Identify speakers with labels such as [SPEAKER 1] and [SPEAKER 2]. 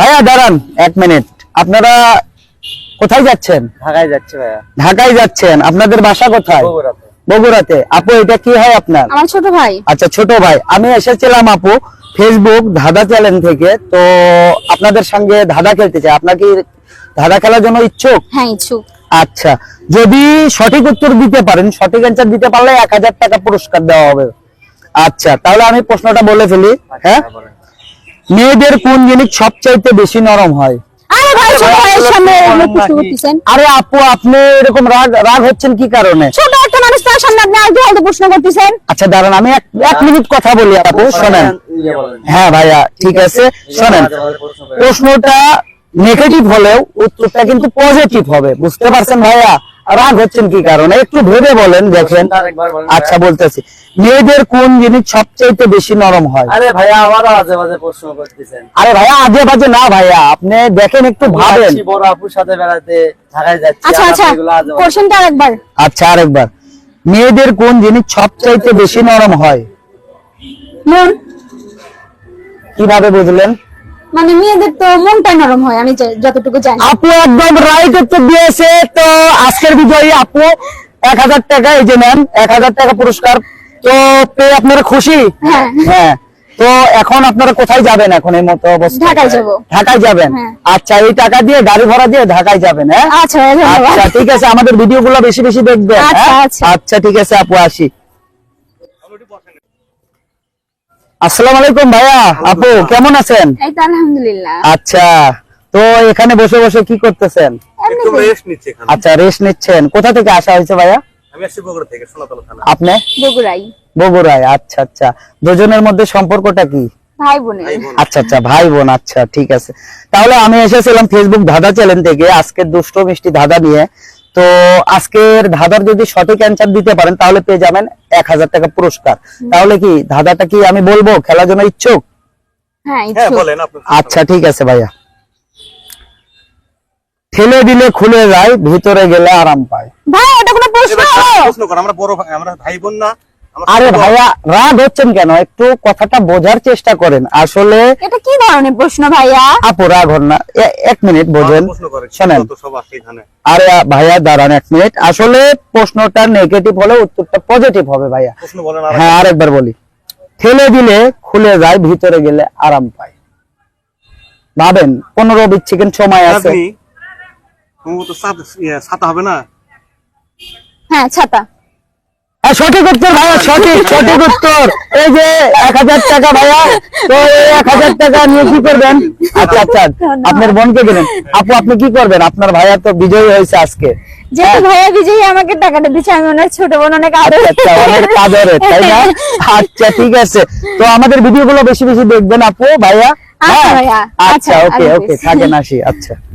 [SPEAKER 1] ভাইয়া দাঁড়ান 1 মিনিট। আপনারা কোথায় যাচ্ছেন?
[SPEAKER 2] ঢাকায় যাচ্ছে ভাইয়া।
[SPEAKER 1] ঢাকায় যাচ্ছেন, আপনাদের বাসা কোথায়?
[SPEAKER 2] বগুড়াতে।
[SPEAKER 1] বগুড়াতে। আপু এটা কি হয় আপনার?
[SPEAKER 3] আমার ছোট ভাই।
[SPEAKER 1] আচ্ছা ছোট ভাই। আমি এসেছিলাম আপু ফেসবুক ধাঁধা চ্যানেল থেকে, তো আপনাদের সঙ্গে ধাঁধা খেলতে চাই। আপনার কি ধাঁধা খেলার জন্য ইচ্ছুক?
[SPEAKER 3] হ্যাঁ ইচ্ছুক।
[SPEAKER 1] আচ্ছা, যদি সঠিক উত্তর দিতে পারেন, সঠিক অ্যান্সার দিতে পারলে 1000 টাকা পুরস্কার দেওয়া হবে। আচ্ছা তাহলে আমি প্রশ্নটা বলে ফেলি। হ্যাঁ, মেয়েদের কোন জিনিস সবচাইতে বেশি নরম হয়?
[SPEAKER 3] আরে ভাই ছোট ভাইয়ের সামনে এগুলো প্রশ্ন করতেছেন।
[SPEAKER 1] আরে আপু আপনি এরকম রাগ হচ্ছেন কি কারণে?
[SPEAKER 3] ছোট একটা মানুষ তার সামনে আপনি আর কি প্রশ্ন করতেছেন?
[SPEAKER 1] আচ্ছা দাঁড়ান, আমি এক মিনিট কথা বলি আপু, শোনেন। হ্যাঁ ভাইয়া ঠিক আছে, শোনেন। প্রশ্নটা নেগেটিভ হলেও উত্তরটা কিন্তু পজিটিভ হবে, বুঝতে পারছেন ভাইয়া? রাগ হচ্ছেন কি কারণে একটু ভেবে বলেন, দেখেন। আচ্ছা বলতেছি, মেয়েদের কোন জিনিস সবচাইতে বেশি নরম হয়?
[SPEAKER 2] আরে ভাইয়া আবারও আজে বাজে প্রশ্ন করতেছেন।
[SPEAKER 1] আরে ভাইয়া আজে বাজে না ভাইয়া, আপনি দেখেন একটু ভাবেন।
[SPEAKER 2] বড় আপুর সাথে বেড়াতে ঢাকায় যাচ্ছি।
[SPEAKER 3] আচ্ছা আচ্ছা কোশ্চেনটা আরেকবার।
[SPEAKER 1] আচ্ছা আরেকবার, মেয়েদের কোন জিনিস সবচাইতে বেশি নরম হয়?
[SPEAKER 3] মন।
[SPEAKER 1] কিভাবে বুঝলেন?
[SPEAKER 3] মানে মেয়েদের তো মনটা নরম হয়, আমি যতটুকু জানি।
[SPEAKER 1] আপু একদম রাইট উত্তর দিয়েছে। তো আজকের বিজয়ী আপু 1000 টাকা, এই যে নেন 1000 টাকা পুরস্কার। তো পেয়ে আপনারা খুশি?
[SPEAKER 3] হ্যাঁ।
[SPEAKER 1] হ্যাঁ, তো এখন আপনারা কোথায় যাবেন এখন এই মতো অবস্থা?
[SPEAKER 3] ঢাকায় যাব।
[SPEAKER 1] ঢাকায় যাবেন?
[SPEAKER 3] হ্যাঁ।
[SPEAKER 1] আচ্ছা, এই টাকা দিয়ে গাড়ি ভাড়া দিয়ে ঢাকায় যাবেন? হ্যাঁ
[SPEAKER 3] আচ্ছা ধন্যবাদ।
[SPEAKER 1] আচ্ছা ঠিক আছে, আমাদের ভিডিওগুলো বেশি বেশি দেখবেন।
[SPEAKER 3] আচ্ছা,
[SPEAKER 1] হ্যাঁ?
[SPEAKER 3] আচ্ছা।
[SPEAKER 1] আচ্ছা ঠিক আছে আপু, আসি। আসসালামু আলাইকুম ভাইয়া। আপু কেমন আছেন?
[SPEAKER 3] এই তো আলহামদুলিল্লাহ।
[SPEAKER 1] আচ্ছা, তো এখানে বসে বসে কি করতেছেন?
[SPEAKER 4] একটু রেস্ট নিচ্ছি এখানে।
[SPEAKER 1] আচ্ছা রেস্ট নিচ্ছেন। কোথা থেকে আসা হয়েছে ভাইয়া?
[SPEAKER 4] আমি আসছি বগুড়া থেকে, সোনাতলা থানা।
[SPEAKER 1] আপনি?
[SPEAKER 3] বগুড়াই।
[SPEAKER 1] বগুড়ায়। আচ্ছা আচ্ছা, দুজনের মধ্যে সম্পর্কটা কি?
[SPEAKER 3] ভাই বোনের।
[SPEAKER 1] আচ্ছা আচ্ছা, ভাই বোন। আচ্ছা ঠিক আছে, তাহলে আমি এসেছিলাম ফেসবুক ধাঁধা চ্যানেল থেকে আজকের দুষ্ট মিষ্টি ধাঁধা নিয়ে। তো আজকের ধাঁধার যদি সঠিক অ্যান্সার দিতে পারেন তাহলে পেয়ে যাবেন 1000 টাকা পুরস্কার। তাহলে কি ধাঁধাটা কি আমি বলবো? খেলার জন্য ইচ্ছুক?
[SPEAKER 3] হ্যাঁ
[SPEAKER 4] হ্যাঁ
[SPEAKER 3] ইচ্ছুক।
[SPEAKER 4] বলেন আপনি।
[SPEAKER 1] আচ্ছা ঠিক আছে ভাইয়া। ঠেলে দিলে খুলে যায়, ভিতরে গেলে আরাম পায়।
[SPEAKER 3] ভাই এটা কোনো প্রশ্ন?
[SPEAKER 4] প্রশ্ন কর, আমরা বড় ভাই, আমরা ভাই বোন না?
[SPEAKER 1] আরে ভাইয়া রাগ হচ্ছেন কেন? একটু কথাটা বোঝার চেষ্টা করেন। আসলে
[SPEAKER 3] এটা কি ধরনের প্রশ্ন ভাইয়া?
[SPEAKER 1] আপু রাগ হন না, 1 মিনিট বোঝেন,
[SPEAKER 4] প্রশ্ন করে
[SPEAKER 1] শোনেন।
[SPEAKER 4] তো সব আছে এখানে।
[SPEAKER 1] আরে ভাইয়া দাঁড়ান 1 মিনিট। আসলে প্রশ্নটা নেগেটিভ হলে উত্তরটা পজিটিভ হবে ভাইয়া।
[SPEAKER 4] প্রশ্ন বলেন আর।
[SPEAKER 1] হ্যাঁ আরেকবার বলি, ঠেলে দিলে খুলে যায়, ভিতরে গেলে আরাম পায়। ভাবেন, 15-20 সেকেন্ড সময় আছে।
[SPEAKER 4] আপনি তুমি তো ছাতা হবে না?
[SPEAKER 3] হ্যাঁ ছাতা।
[SPEAKER 1] সঠিক উত্তর ভাইয়া, সঠিক উত্তর। এই যে 1000 টাকা ভাইয়া। তো এই 1000 টাকা নিয়ে কি করবেন? আচ্ছা আচ্ছা, আপনার বোনকে দিলেন। আপু আপনি কি করবেন? আপনার ভাইয়া তো বিজয়ী হয়েছে আজকে।
[SPEAKER 3] যেহেতু ভাইয়া বিজয়ী আমাকে টাকাটা দিচ্ছে, আমি ওনার ছোট বোন, অনেক আদর।
[SPEAKER 1] আচ্ছা, অনেক আদরের, তাই না? আচ্ছা ঠিক আছে, তো আমাদের ভিডিওগুলো বেশি বেশি দেখবেন আপু ভাইয়া।
[SPEAKER 3] আচ্ছা
[SPEAKER 1] হ্যাঁ?
[SPEAKER 3] ভাইয়া।
[SPEAKER 1] আচ্ছা
[SPEAKER 3] আচ্ছা,
[SPEAKER 1] ওকে
[SPEAKER 3] আল্লাহ
[SPEAKER 1] ওকে,
[SPEAKER 3] হাফেজ।
[SPEAKER 1] থাকেন, আসি। আচ্ছা।